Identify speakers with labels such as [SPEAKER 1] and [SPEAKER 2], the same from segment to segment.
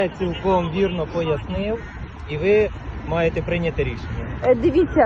[SPEAKER 1] Я цілком вірно пояснив, і ви маєте прийняти рішення.
[SPEAKER 2] Дивіться,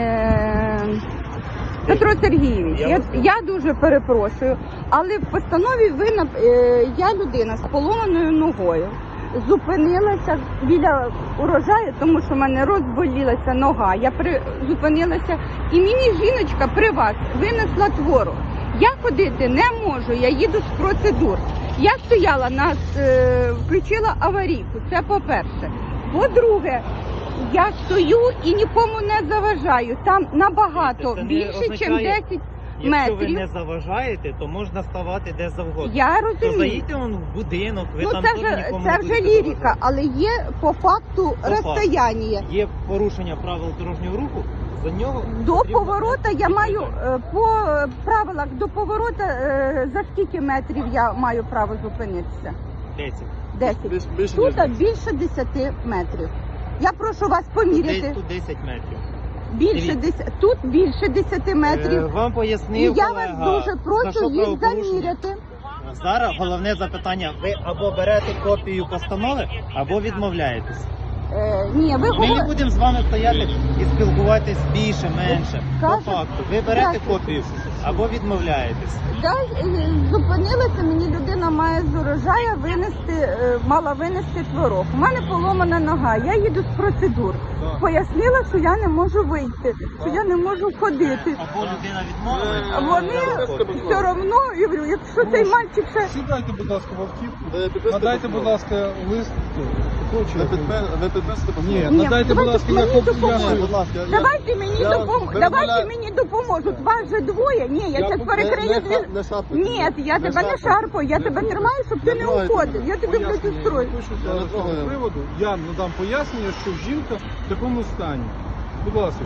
[SPEAKER 2] Петро Сергійович, я дуже перепрошую, але в постанові я людина з поломаною ногою. Зупинилася біля урожаю, тому що в мене розболілася нога. Я зупинилася, і мені жіночка при вас винесла творог. Я ходити не можу, я їду з процедур. Я стояла, включила аварійку, це по-перше. По-друге, я стою і нікому не заважаю. Там набагато більше, ніж 10 метрів.
[SPEAKER 1] Якщо ви не заважаєте, то можна ставати де завгодно.
[SPEAKER 2] Я розумію.
[SPEAKER 1] То заїдьте в будинок, ви там теж нікому не
[SPEAKER 2] це
[SPEAKER 1] будете
[SPEAKER 2] вже лірика,
[SPEAKER 1] заважати.
[SPEAKER 2] але є по факту розстояння.
[SPEAKER 1] Є порушення правил дорожнього руху, за нього
[SPEAKER 2] До поворота я маю, по правилах до поворота, за скільки метрів я маю право зупинитися?
[SPEAKER 1] 10.
[SPEAKER 2] 10. Тут більше 10 метрів. Я прошу вас поміряти.
[SPEAKER 1] Тут 10 метрів.
[SPEAKER 2] Більше 10, тут більше 10 метрів.
[SPEAKER 1] Вам
[SPEAKER 2] І
[SPEAKER 1] пояснив
[SPEAKER 2] я
[SPEAKER 1] колега,
[SPEAKER 2] вас дуже
[SPEAKER 1] за
[SPEAKER 2] прошу
[SPEAKER 1] що
[SPEAKER 2] їх
[SPEAKER 1] правопорушення.
[SPEAKER 2] заміряти.
[SPEAKER 1] Зараз головне запитання, ви або берете копію постанови, або відмовляєтесь.
[SPEAKER 2] Ні, ви
[SPEAKER 1] Ми не
[SPEAKER 2] говорите.
[SPEAKER 1] будемо з вами стояти і спілкуватись більше, менше. По
[SPEAKER 2] Кажете,
[SPEAKER 1] факту, ви берете
[SPEAKER 2] здравствуйте.
[SPEAKER 1] копію або відмовляєтесь.
[SPEAKER 2] Зупинилася, мені людина має з урожаю мала винести творог. У мене поломана нога, я їду з процедур. Пояснила, що я не можу вийти, що я не можу ходити.
[SPEAKER 1] Або людина відмовила.
[SPEAKER 2] Вони все одно, я говорю, якщо цей мальчик ще...
[SPEAKER 3] Сідайте, будь ласка, в автівку. Надайте, будь ласка, лист.
[SPEAKER 4] Ви підписуєте?
[SPEAKER 3] Ні,
[SPEAKER 2] Ні,
[SPEAKER 3] надайте, будь ласка,
[SPEAKER 2] давайте
[SPEAKER 3] я
[SPEAKER 2] мені допоможете.
[SPEAKER 4] Будь ласка,
[SPEAKER 2] Давайте мені допоможуть. Вас же двоє. Ні, я зараз перекрию дві. Ні, я тебе не шарпаю, я тебе тримаю, щоб ти не уходив. Я тебе протистрою.
[SPEAKER 3] З цього приводу я надам пояснення, що жінка в такому стані. Будь ласка.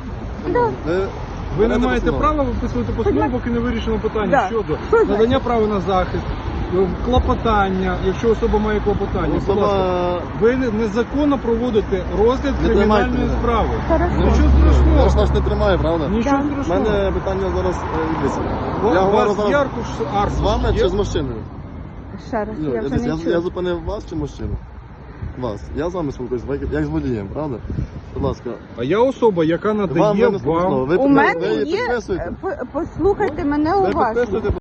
[SPEAKER 3] Ви не маєте права виписувати постанову, поки не вирішено питання
[SPEAKER 2] Да.
[SPEAKER 3] щодо
[SPEAKER 2] Що
[SPEAKER 3] надання
[SPEAKER 2] значить?
[SPEAKER 3] права на захист, клопотання, якщо особа має клопотання. Будь ласка, ви незаконно проводите розгляд
[SPEAKER 4] Не
[SPEAKER 3] кримінальної
[SPEAKER 4] тримайте
[SPEAKER 3] справи.
[SPEAKER 2] Хорошо.
[SPEAKER 3] Нічого
[SPEAKER 4] Я ж
[SPEAKER 3] страшного.
[SPEAKER 4] вас не тримаю, правда?
[SPEAKER 3] Нічого
[SPEAKER 4] У
[SPEAKER 3] страшного.
[SPEAKER 4] мене питання зараз дивіться.
[SPEAKER 3] У
[SPEAKER 4] Я говорю
[SPEAKER 3] вас
[SPEAKER 4] зараз
[SPEAKER 3] яркуш аркуш
[SPEAKER 4] з вами
[SPEAKER 3] є?
[SPEAKER 4] чи з мужчиною?
[SPEAKER 2] Ще раз,
[SPEAKER 4] Ну,
[SPEAKER 2] я вже не
[SPEAKER 4] я
[SPEAKER 2] чую.
[SPEAKER 4] зупинив вас чи мужчину? Вас. Я з вами спілкуюся, як з водієм, правда? Будь ласка.
[SPEAKER 3] А я особа, яка надає
[SPEAKER 4] винесли постанову.
[SPEAKER 3] вам...
[SPEAKER 4] Ви
[SPEAKER 2] У мене
[SPEAKER 4] ви її
[SPEAKER 2] є,
[SPEAKER 4] підписуєте?
[SPEAKER 2] послухайте мене
[SPEAKER 4] Ви
[SPEAKER 2] уважно.
[SPEAKER 4] підписуєте